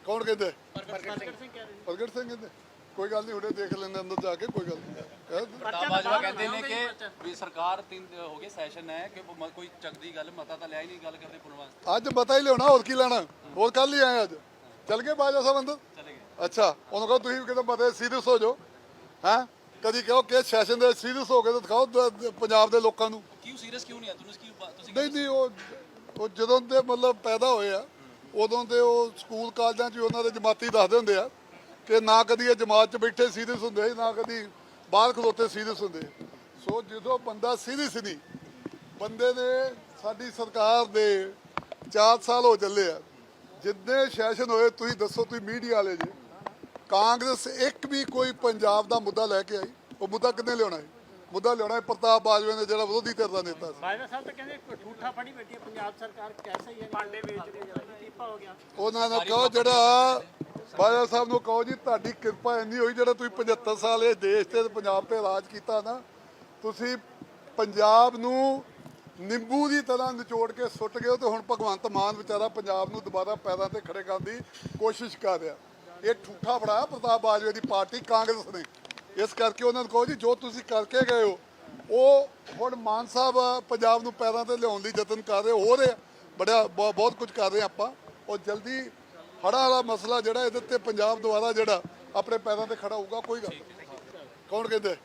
ਕੌਣ ਕਹਿੰਦੇ? ਪ੍ਰਗਟ ਸਿੰਘ ਕਹਿੰਦੇ ਕੋਈ ਗੱਲ ਨਹੀਂ, ਉਹਨੇ ਦੇਖ ਲੈਂਦੇ ਅੰਦਰ ਜਾ ਕੇ, ਕੋਈ ਗੱਲ ਨਹੀਂ। ਬਾਜਵਾ ਕਹਿੰਦੇ ਨੇ ਕਿ ਵੀ ਸਰਕਾਰ 3 ਹੋ ਗਏ ਸੈਸ਼ਨ ਹੈ ਕਿ ਕੋਈ ਚੱਕਦੀ ਗੱਲ ਮਤਾ ਤਾਂ ਲਿਆ ਹੀ ਨਹੀਂ ਗੱਲ ਕਰਦੇ ਪੁਣ ਵਾਸਤੇ। ਅੱਜ ਮਤਾ ਹੀ ਲਿਆਉਣਾ, ਹੋਰ ਕੀ ਲੈਣਾ, ਹੋਰ ਕੱਲ ਹੀ ਆਏ ਅੱਜ। ਚੱਲ ਗਏ ਬਾਜਵਾ ਸਾਹਿਬ ਅੰਦਰ? ਚਲੇ ਗਏ। ਅੱਛਾ, ਉਹਨੂੰ ਕਹੋ ਤੁਸੀਂ ਵੀ ਕਿਤੇ ਮਤੇ ਸੀਰੀਅਸ ਹੋ ਜਾਓ। ਹੈਂ, ਕਦੀ ਕਹੋ ਕਿ ਸੈਸ਼ਨ ਦੇ ਸੀਰੀਅਸ ਹੋ ਕੇ ਤਾਂ ਦਿਖਾਓ ਪੰਜਾਬ ਦੇ ਲੋਕਾਂ ਨੂੰ। ਕਿਉਂ ਸੀਰੀਅਸ ਕਿਉਂ ਨਹੀਂ ਆ ਤੁਸੀਂ? ਨਹੀਂ ਉਹ ਜਦੋਂ ਦੇ ਮਤਲਬ ਪੈਦਾ ਹੋਏ ਆ ਉਦੋਂ ਤੇ ਉਹ ਸਕੂਲ ਕਾਲਜਾਂ 'ਚ ਉਹਨਾਂ ਦੇ ਜਮਾਤੀ ਦੱਸਦੇ ਹੁੰਦੇ ਆ ਕਿ ਨਾ ਕਦੀ ਇਹ ਜਮਾਤ 'ਚ ਬੈਠੇ ਸੀਰੀਅਸ ਹੁੰਦੇ, ਨਾ ਕਦੀ ਬਾਹਰ ਖਲੋਤੇ ਸੀਰੀਅਸ ਹੁੰਦੇ। ਸੋ ਜਦੋਂ ਬੰਦਾ ਸੀਰੀਅਸ ਨਹੀਂ, ਬੰਦੇ ਨੇ ਸਾਡੀ ਸਰਕਾਰ ਦੇ 4 ਸਾਲ ਹੋ ਚੱਲੇ ਆ, ਜਿੰਨੇ ਸੈਸ਼ਨ ਹੋਏ ਤੁਸੀਂ ਦੱਸੋ, ਤੁਸੀਂ ਮੀਡੀਆ ਵਾਲੇ ਜੀ, ਕਾਂਗਰਸ ਇੱਕ ਵੀ ਕੋਈ ਪੰਜਾਬ ਦਾ ਮੁੱਦਾ ਲੈ ਕੇ ਆਈ? ਉਹ ਮੁੱਦਾ ਕਿੰਨੇ ਲਿਆਉਣਾ ਹੈ? ਮੁੱਦਾ ਲਿਆਉਣਾ ਹੈ ਪ੍ਰਤਾਪ ਬਾਜਵਾ ਨੇ, ਜਿਹੜਾ ਵਿਰੋਧੀ ਧਿਰ ਦਾ ਨੇਤਾ ਸੀ। ਬਾਜਵਾ ਸਾਹਿਬ ਤਾਂ ਕਹਿੰਦੇ ਠੂਠਾ ਫੜੀ ਬੈਠੀ ਹੈ ਪੰਜਾਬ ਸਰਕਾਰ, ਕੈਸਾ ਹੀ ਹੈ, ਭਾਂਡੇ ਵੇਚਦੇ ਜਾਂਦੇ, ਟੀਪਾ ਹੋ ਗਿਆ। ਉਹਨਾਂ ਨੂੰ ਕਹੋ, ਜਿਹੜਾ ਬਾਜਵਾ ਸਾਹਿਬ ਨੂੰ ਕਹੋ ਜੀ, ਤੁਹਾਡੀ ਕਿਰਪਾ ਇੰਨੀ ਹੋਈ ਜਿਹੜਾ ਤੁਸੀਂ 75 ਸਾਲ ਇਹ ਦੇਸ਼ ਤੇ ਪੰਜਾਬ ਤੇ ਰਾਜ ਕੀਤਾ ਨਾ, ਤੁਸੀਂ ਪੰਜਾਬ ਨੂੰ ਨਿੰਬੂ ਦੀ ਤਰ੍ਹਾਂ ਨਿਚੋੜ ਕੇ ਸੁੱਟ ਗਏ ਹੋ। ਤੇ ਹੁਣ ਭਗਵੰਤ ਮਾਨ ਵਿਚਾਰਾ ਪੰਜਾਬ ਨੂੰ ਦੁਬਾਰਾ ਪੈਰਾਂ ਤੇ ਖੜੇ ਕਰਨ ਦੀ ਕੋਸ਼ਿਸ਼ ਕਰ ਰਿਹਾ। ਇਹ ਠੂਠਾ ਫੜਾਇਆ ਪ੍ਰਤਾਪ ਬਾਜਵਾ ਦੀ ਪਾਰਟੀ ਕਾਂਗਰਸ ਨੇ। ਇਸ ਕਰਕੇ ਉਹਨਾਂ ਨੂੰ ਕਹੋ ਜੀ, ਜੋ ਤੁਸੀਂ ਕਰਕੇ ਗਏ ਹੋ ਉਹ ਹੁਣ ਮਾਨ ਸਾਹਿਬ ਪੰਜਾਬ ਨੂੰ ਪੈਰਾਂ ਤੇ ਲਿਆਉਣ ਲਈ ਯਤਨ ਕਰ ਰਹੇ ਹੋ ਰਹੇ ਆ, ਬਹੁਤ ਕੁਝ ਕਰ ਰਹੇ ਆਪਾਂ। ਉਹ ਜਲਦੀ ਹੜ੍ਹਾਂ ਵਾਲਾ ਮਸਲਾ ਜਿਹੜਾ, ਇਹਦੇ ਤੇ ਪੰਜਾਬ ਦੁਆਰਾ ਜਿਹੜਾ ਆਪਣੇ ਪੈਰਾਂ ਤੇ ਖੜਾ ਹੋਊਗਾ। ਕੋਈ ਗੱਲ ਕੌਣ ਕਹਿੰਦੇ?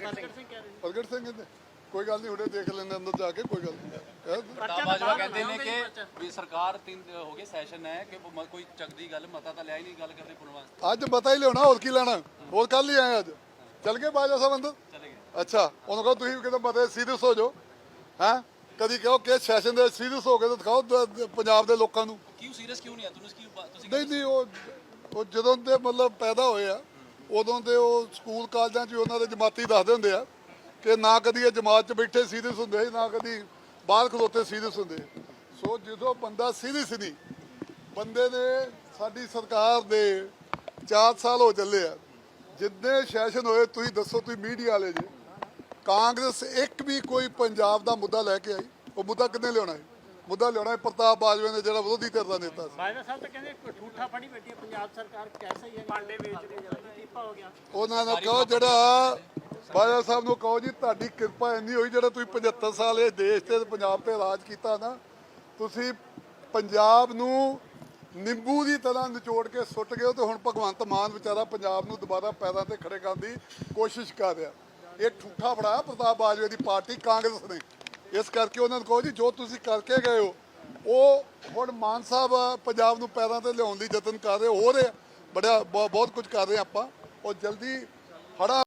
ਪ੍ਰਗਟ ਸਿੰਘ ਕਹਿੰਦੇ ਕੋਈ ਗੱਲ ਨਹੀਂ, ਉਹਨੇ ਦੇਖ ਲੈਂਦੇ ਅੰਦਰ ਜਾ ਕੇ, ਕੋਈ ਗੱਲ ਨਹੀਂ। ਬਾਜਵਾ ਕਹਿੰਦੇ ਨੇ ਕਿ ਵੀ ਸਰਕਾਰ 3 ਹੋ ਗਏ ਸੈਸ਼ਨ ਹੈ ਕਿ ਕੋਈ ਚੱਕਦੀ ਗੱਲ ਮਤਾ ਤਾਂ ਲਿਆ ਹੀ ਨਹੀਂ ਗੱਲ ਕਰਦੇ ਪੁਣ ਵਾਸਤੇ। ਅੱਜ ਮਤਾ ਹੀ ਲਿਆਉਣਾ, ਹੋਰ ਕੀ ਲੈਣਾ, ਹੋਰ ਕੱਲ ਹੀ ਆਏ ਅੱਜ। ਚੱਲ ਗਏ ਬਾਜਵਾ ਸਾਹਿਬ ਅੰਦਰ? ਚਲੇ ਗਏ। ਅੱਛਾ, ਉਹਨੂੰ ਕਹੋ ਤੁਸੀਂ ਵੀ ਕਿਤੇ ਮਤੇ ਸੀਰੀਅਸ ਹੋ ਜਾਓ। ਹੈਂ, ਕਦੀ ਕਹੋ ਕਿ ਸੈਸ਼ਨ ਦੇ ਸੀਰੀਅਸ ਹੋ ਕੇ ਤਾਂ ਦਿਖਾਓ ਪੰਜਾਬ ਦੇ ਲੋਕਾਂ ਨੂੰ। ਕਿਉਂ ਸੀਰੀਅਸ ਕਿਉਂ ਨਹੀਂ ਆ ਤੁਸੀਂ? ਨਹੀਂ ਉਹ ਜਦੋਂ ਦੇ ਮਤਲਬ ਪੈਦਾ ਹੋਏ ਆ ਉਦੋਂ ਦੇ ਉਹ ਸਕੂਲ ਕਾਲਜਾਂ 'ਚ ਉਹਨਾਂ ਦੇ ਜਮਾਤੀ ਦੱਸਦੇ ਹੁੰਦੇ ਆ ਕਿ ਨਾ ਕਦੀ ਇਹ ਜਮਾਤ 'ਚ ਬੈਠੇ ਸੀਰੀਅਸ ਹੁੰਦੇ, ਨਾ ਕਦੀ ਬਾਹਰ ਖਲੋਤੇ ਸੀਰੀਅਸ ਹੁੰਦੇ। ਸੋ ਜਦੋਂ ਬੰਦਾ ਸੀਰੀਅਸ ਨਹੀਂ, ਬੰਦੇ ਨੇ ਸਾਡੀ ਸਰਕਾਰ ਦੇ 4 ਸਾਲ ਹੋ ਚੱਲੇ ਆ, ਜਿੰਨੇ ਸੈਸ਼ਨ ਹੋਏ ਤੁਸੀਂ ਦੱਸੋ, ਤੁਸੀਂ ਮੀਡੀਆ ਵਾਲੇ ਜੀ, ਕਾਂਗਰਸ ਇੱਕ ਵੀ ਕੋਈ ਪੰਜਾਬ ਦਾ ਮੁੱਦਾ ਲੈ ਕੇ ਆਈ? ਉਹ ਮੁੱਦਾ ਕਿੰਨੇ ਲਿਆਉਣਾ ਹੈ? ਮੁੱਦਾ ਲਿਆਉਣਾ ਹੈ ਪ੍ਰਤਾਪ ਬਾਜਵਾ ਨੇ, ਜਿਹੜਾ ਵਿਰੋਧੀ ਧਿਰ ਦਾ ਨੇਤਾ ਸੀ। ਬਾਜਵਾ ਸਾਹਿਬ ਤਾਂ ਕਹਿੰਦੇ ਠੂਠਾ ਫੜੀ ਬੈਠੀ ਹੈ ਪੰਜਾਬ ਸਰਕਾਰ, ਕੈਸਾ ਹੀ ਹੈ, ਭਾਂਡੇ ਵੇਚਦੇ ਜਾਂਦੇ, ਟੀਪਾ ਹੋ ਗਿਆ। ਉਹਨਾਂ ਨੂੰ ਕਹੋ, ਜਿਹੜਾ ਬਾਜਵਾ ਸਾਹਿਬ ਨੂੰ ਕਹੋ ਜੀ, ਤੁਹਾਡੀ ਕਿਰਪਾ ਇੰਨੀ ਹੋਈ ਜਿਹੜਾ ਤੁਸੀਂ 75 ਸਾਲ ਇਹ ਦੇਸ਼ ਤੇ ਪੰਜਾਬ ਤੇ ਰਾਜ ਕੀਤਾ ਨਾ, ਤੁਸੀਂ ਪੰਜਾਬ ਨੂੰ ਨਿੰਬੂ ਦੀ ਤਰ੍ਹਾਂ ਨਿਚੋੜ ਕੇ ਸੁੱਟ ਗਏ ਹੋ। ਤੇ ਹੁਣ ਭਗਵੰਤ ਮਾਨ ਵਿਚਾਰਾ ਪੰਜਾਬ ਨੂੰ ਦੁਬਾਰਾ ਪੈਰਾਂ ਤੇ ਖੜੇ ਕਰਨ ਦੀ ਕੋਸ਼ਿਸ਼ ਕਰ ਰਿਹਾ। ਇਹ ਠੂਠਾ ਫੜਾਇਆ ਪ੍ਰਤਾਪ ਬਾਜਵਾ ਦੀ ਪਾਰਟੀ ਕਾਂਗਰਸ ਨੇ। ਇਸ ਕਰਕੇ ਉਹਨਾਂ ਨੂੰ ਕਹੋ ਜੀ, ਜੋ ਤੁਸੀਂ ਕਰਕੇ ਗਏ ਹੋ ਉਹ ਹੁਣ ਮਾਨ ਸਾਹਿਬ ਪੰਜਾਬ ਨੂੰ ਪੈਰਾਂ ਤੇ ਲਿਆਉਣ ਲਈ ਯਤਨ ਕਰ ਰਹੇ ਹੋ ਰਹੇ ਆ, ਬਹੁਤ ਕੁਝ ਕਰ ਰਹੇ ਆਪਾਂ। ਉਹ ਜਲਦੀ ਹੜ੍ਹਾਂ